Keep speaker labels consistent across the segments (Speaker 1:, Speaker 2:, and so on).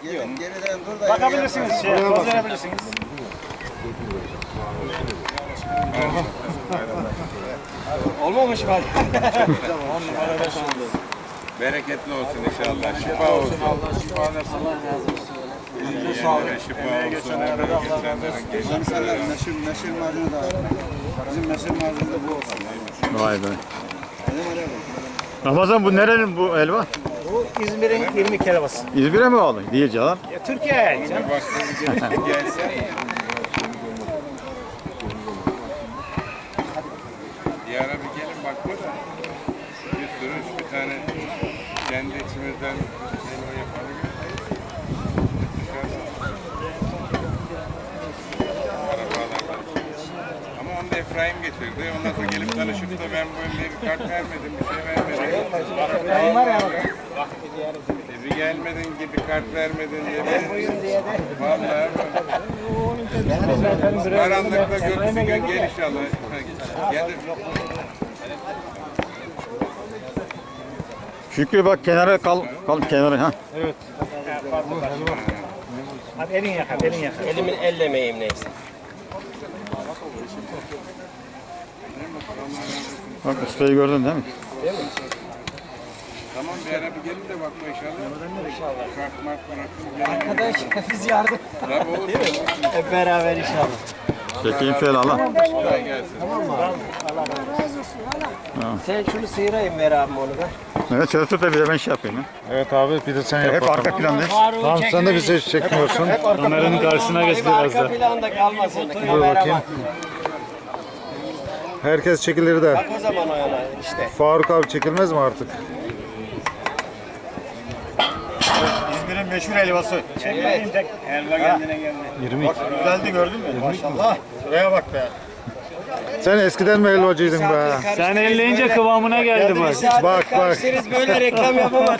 Speaker 1: Geriden dur da.
Speaker 2: Bakabilirsiniz, poz verebilirsiniz.
Speaker 1: Olmamış mı?
Speaker 3: Bereketli olsun inşallah. Şifa olsun.
Speaker 1: Allah şifa versin. Allah razı olsun.
Speaker 3: Elinize sağlık. Şifa olsun.
Speaker 1: Insanlar meşhur macunu da bizim meşhur macunu da bu olsun.
Speaker 4: Vay be. Ramazan bu nerenin bu elva?
Speaker 2: Bu İzmir'in 20 helvası.
Speaker 4: İzmir'e mi bağlı? Değil canım.
Speaker 2: Türkiye canım.
Speaker 3: Gelse. Diyara bir gelin bakma da bir sürü bir tane kendi içimizden helva yapalım. Arabalardan. Ama onu da Efraim getirdi. Ondan sonra gelip tanışıp da ben böyle bir kart vermedim, bir şey vermedim. Bir gelmedin gibi kart vermedin diye. Vallahi karanlıkta gökyüzü gel inşallah. Gelir.
Speaker 4: Şükrü bak kenara kal kenara ha.
Speaker 2: Hadi elin yakar, elin yakar.
Speaker 5: Elimin ellemeyeyim neyse.
Speaker 4: Bak ustayı gördün değil mi?
Speaker 3: Tamam bir ara bir gelin de bakma inşallah. Kart mart bırakın.
Speaker 1: Arkadaş biz yardım.
Speaker 3: Tabii olur.
Speaker 1: Hep beraber inşallah.
Speaker 4: Çekeyim şöyle Allah.
Speaker 3: Kolay gelsin.
Speaker 1: Sen şunu sıyırayım ver abi onu da.
Speaker 4: Evet şöyle tut da bir de ben şey yapayım.
Speaker 6: Evet abi bir de sen yap.
Speaker 4: Hep arka plandayız.
Speaker 6: Tamam sen de bizi hiç çekmiyorsun.
Speaker 2: Kameranın karşısına geç biraz da.
Speaker 1: Arka planda kalmasın.
Speaker 6: Dur bakayım. Herkes çekilir de.
Speaker 1: Bak o zaman o yana işte.
Speaker 6: Faruk abi çekilmez mi artık?
Speaker 4: İzmir'in meşhur helvası.
Speaker 2: Elva kendine geldi.
Speaker 6: 20.
Speaker 4: Bak güzeldi gördün mü? Maşallah. Şuraya bak be.
Speaker 6: Sen eskiden mi helvacıydın be?
Speaker 2: Sen elleyince kıvamına geldi bak.
Speaker 6: Bak.
Speaker 1: Siz böyle reklam yapamaz.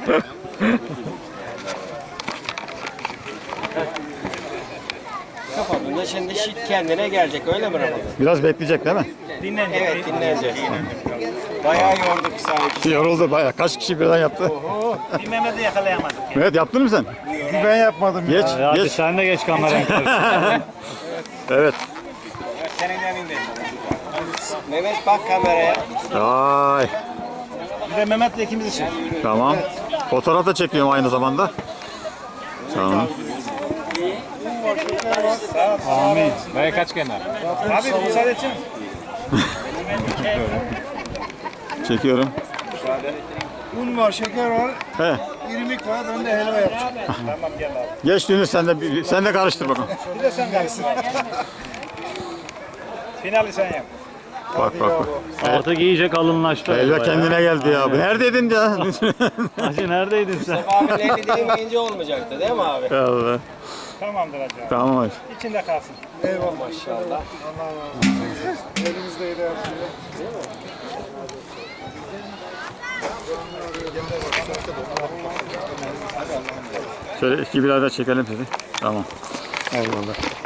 Speaker 1: Kapadığında şimdi şit kendine gelecek öyle mi Ramazan?
Speaker 4: Biraz bekleyecek değil mi?
Speaker 2: Dinlenecek.
Speaker 1: Evet dinleyeceğiz. Bayağı yorduk sanki.
Speaker 4: Yoruldu bayağı. Kaç kişi birden yaptı?
Speaker 2: Bir Mehmet'i yakalayamadık.
Speaker 4: Evet yaptın mı sen?
Speaker 6: Ben yapmadım
Speaker 4: Geç,
Speaker 2: Hadi
Speaker 4: geç.
Speaker 2: sen de geç kameranın karşısına.
Speaker 4: Evet.
Speaker 2: Senin yanında.
Speaker 1: Mehmet bak kameraya.
Speaker 4: Ay.
Speaker 2: Bir de Mehmet'le ikimiz için.
Speaker 4: Tamam. Fotoğraf da çekiyorum aynı zamanda. Tamam.
Speaker 2: Amin. Baya kaç kenar? Abi müsaade edecek misin?
Speaker 4: Çekiyorum.
Speaker 6: Un var, şeker var,
Speaker 4: He.
Speaker 6: irmik var, ben de helva yapacağım.
Speaker 2: Tamam gel abi.
Speaker 4: Geç Dünür sen de karıştır bakalım.
Speaker 2: Bir de sen karışsın. Finali sen yap.
Speaker 4: Bak bak bak.
Speaker 2: Artık iyice kalınlaştı.
Speaker 4: Elva kendine geldi ya. Neredeydin ya?
Speaker 2: Hacı neredeydin sen?
Speaker 1: Abinin eli değmeyince olmayacaktı değil mi abi?
Speaker 4: Allah.
Speaker 2: Tamamdır hacı abi.
Speaker 4: Tamam hadi.
Speaker 2: İçinde kalsın.
Speaker 1: Eyvallah maşallah.
Speaker 6: Elimizde de yapıyor.
Speaker 4: Şöyle iki birer de çekelim sizi. Tamam. Eyvallah.